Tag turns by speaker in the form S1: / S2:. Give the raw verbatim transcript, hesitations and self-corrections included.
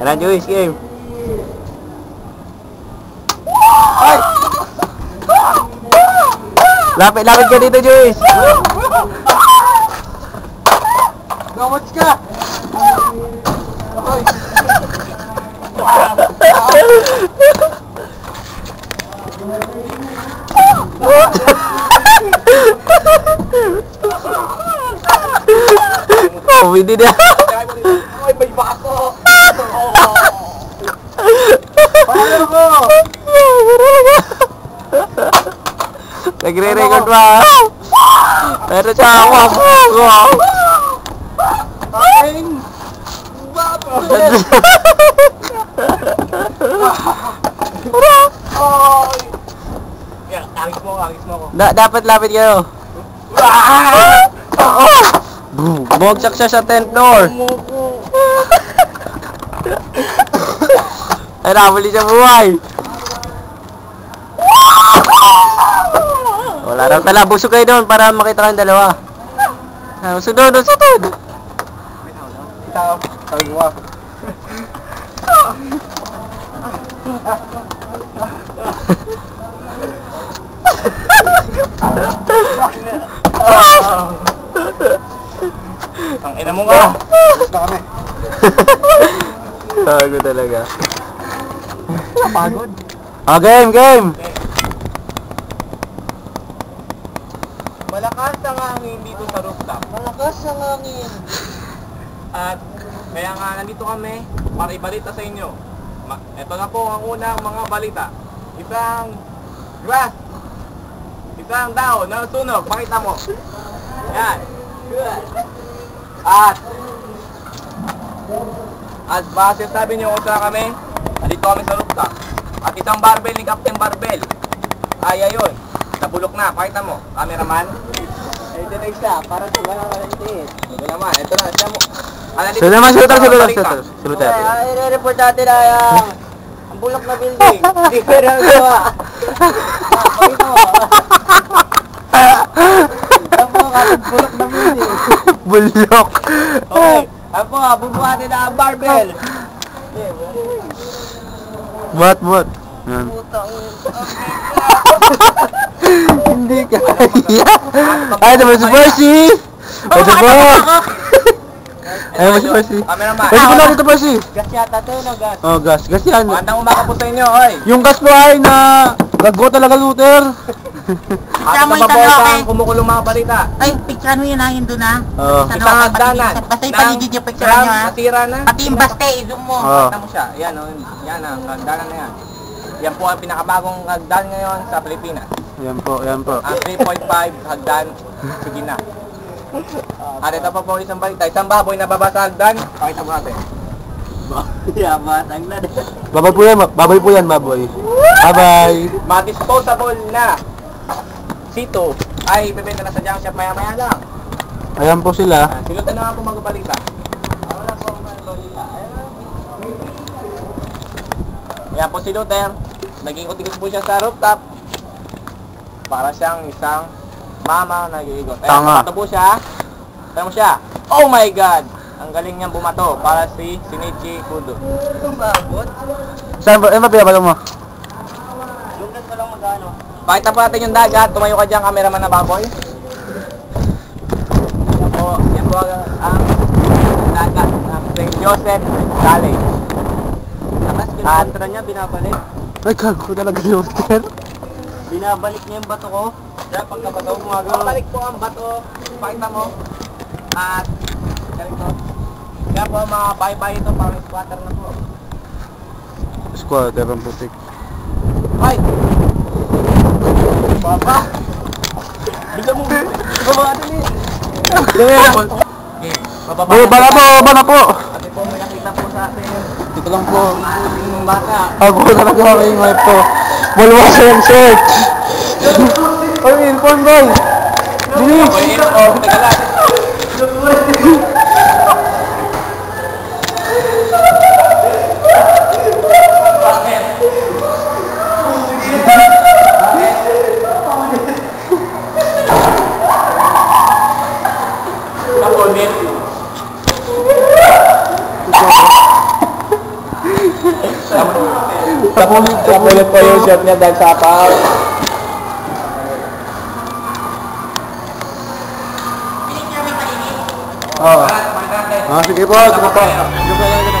S1: Tara, Joyce, game. Ay! Lapit, lapit ka dito, Joyce.
S2: Gawats ka! Ay!
S1: Oh, hindi na.
S2: Ay, may bako! Paano ko?
S1: Nagre-record ba? Pero siya ako ako.
S2: Aking bako! Ay! Yan, agis mo, agis mo ako.
S1: Da dapat lapit kayo. Bumagsak siya sa tenth floor. Ay, nakabali siya buhay. Wala raw tala. Busog kayo doon para makita kayong dalawa. Ah, sunod, sunod.
S2: Ikaw, sabi mo. Ang ina mo nga. Gusto kami.
S1: Pagod talaga.
S2: Pagod.
S1: Ah, game, game.
S2: Malakas ang hangin dito sa rooftop. Malakas ang hangin. At kaya nga nandito kami para ibalita sa inyo. Ma ito na po ang unang mga balita. Isang grass. Isang daon na sunog. Pakita mo. Yan. At at base sabi niyo kung saan kami, nandito kami sa rooftop. At isang barbell ni Captain Barbell ay ayun, nabulok na. Pakita mo, cameraman. Ito na isa, para sa mga kalantit. Ito naman, ito na, siya mo.
S1: Sino naman, silutar, silutar, silutar. Silutar.
S2: Ay, i-report natin na yung ang bulok na building. Hindi ko na gawa. Pakita mo. Ang po, kapag bulok na building.
S1: Bulok.
S2: Okay, ang po, bubuhatin na ang barbell.
S1: What, what? Yan.
S2: Putang
S1: Hindi ka kaya. Ay, ito ba si Percy? Ito ba? Ay, ito ba si Percy?
S2: Cameraman.
S1: Pwede ko lang ito, Percy.
S2: Gas yata to, no gas?
S1: Oh, gas. Gas yan.
S2: Magandang umaga po sa inyo, oy.
S1: Yung gas po ay na gago talaga, Luther.
S2: At nababawas ang kumukulong mga balita.
S3: Ay, picture mo yun ha, yun doon ha.
S1: Oo.
S3: Sa
S2: Isang hagdanan.
S3: Basta yung paligid yung picture
S2: Gram,
S3: nyo ha.
S2: natira na.
S3: Pati yung baste, i-zoom mo.
S1: Oo.
S2: Kita mo siya. Yan, oh. Yan ang hagdanan na yan. Yan po ang pinakabagong hagdan ngayon sa Pilipinas.
S1: Yan po, yan po.
S2: Ang three point five hagdan, sige na. At ito pa po isang balita. Isang baboy na baba sa hagdan. Pakita mo natin. Yaman, na din.
S1: Baboy po yan, baboy po yan, baboy. Bye-bye.
S2: Ma-disposable na sito ay bibenta na sa junk shop maya-maya lang.
S1: Ayan po sila.
S2: Ah, silutan na nga po magbalita. Wala po magbalita. Ayan po si Luther. Nag-ikot-ikot po siya sa rooftop. Para siyang isang mama na nag-iikot. Ayan,
S1: Tanga.
S2: bumato po siya. Ayan mo siya. Oh my God! Ang galing niyang bumato para si Shinichi Kudo. Itong bagot?
S1: Saan ba? Ano ba pinabalo mo?
S2: Lugat pa lang magano. Pakita po natin yung dagat. Tumayo ka dyan, cameraman na baboy. Yan po, yan po ang, ang dagat ng Saint Joseph Valley. Tapos kinukontra niya, binabalik.
S1: Ay, gago talaga, Luther.
S2: Binabalik niya yung bato ko. Diyan, pagkabato, gumagawa. Balik po ang bato. Pakita mo. At, ganito. Kaya po mga bye-bye ito, parang squatter na po.
S1: Squatter ang putik.
S2: Ay! Baba! Bigla mo! Baba natin eh! Okay, bababa
S1: Oh, baka po, baka po.
S2: Ate po, may nakita po sa atin.
S1: Dito lang po.
S2: Ating bata.
S1: Ako talaga may wife po. Walwas yung search. Oy, inform boy. Bilis.
S2: Okay, oh, teka lang.
S1: Kapulit,
S2: Kapulit po yung shirt niya dahil sapaw.
S1: Oo. Ah, sige po, sige po. Sige po.